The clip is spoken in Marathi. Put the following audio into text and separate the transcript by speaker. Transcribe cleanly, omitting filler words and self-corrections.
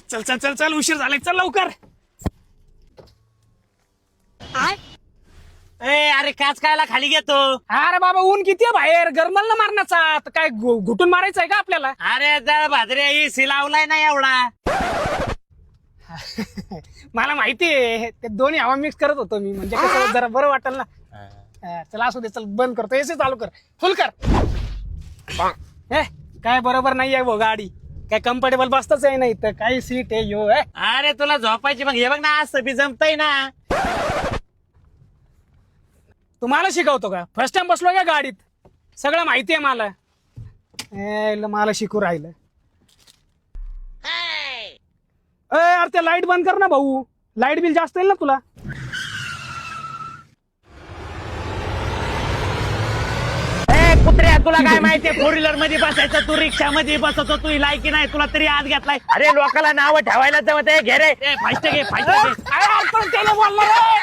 Speaker 1: चल चल चल चल उशीर झालाय, चल लवकर.
Speaker 2: अरे काच कायला खाली घेतो.
Speaker 1: अरे बाबा ऊन किती आहे बाहेर, गरमल ना मारण्याचा. तर काय घुटून मारायचंय का आपल्याला?
Speaker 2: अरे जळ भाजरे एसी लावलाय ना एवढा.
Speaker 1: मला माहितीये ते दोन्ही हवा मिक्स करत होतो मी, म्हणजे कसं जरा बरं वाटेल ना. चला असू दे, चल बंद करतो, एसी चालू कर, फुल कर. काय बरोबर नाही आहे भाऊ गाडी, काय कम्फर्टेबल बसताच आहे नाही तर काही सीट आहे यो.
Speaker 2: अरे तुला झोपायची मग हे बघ ना, असं बी जमतय ना.
Speaker 1: तुम्हाला शिकवतो का? फर्स्ट टाइम बसलो का गाडीत, सगळं माहिती आहे मला. मला शिकू राहिलं. अरे ते लाईट बंद कर ना भाऊ, लाईट बिल जास्त येईल ना तुला.
Speaker 2: कुत्र्या तुला काय माहितीये, फोर व्हीलर मध्ये बसायचं, तू रिक्षा मध्ये बसतो, तू लायकी नाही, तुला तरी आत घेतलाय. अरे लोकांना नाव ठेवायला जमत आहे, घे रे फास्ट घे फास्ट घे.
Speaker 1: अरे, आपण त्याला बोललो रे.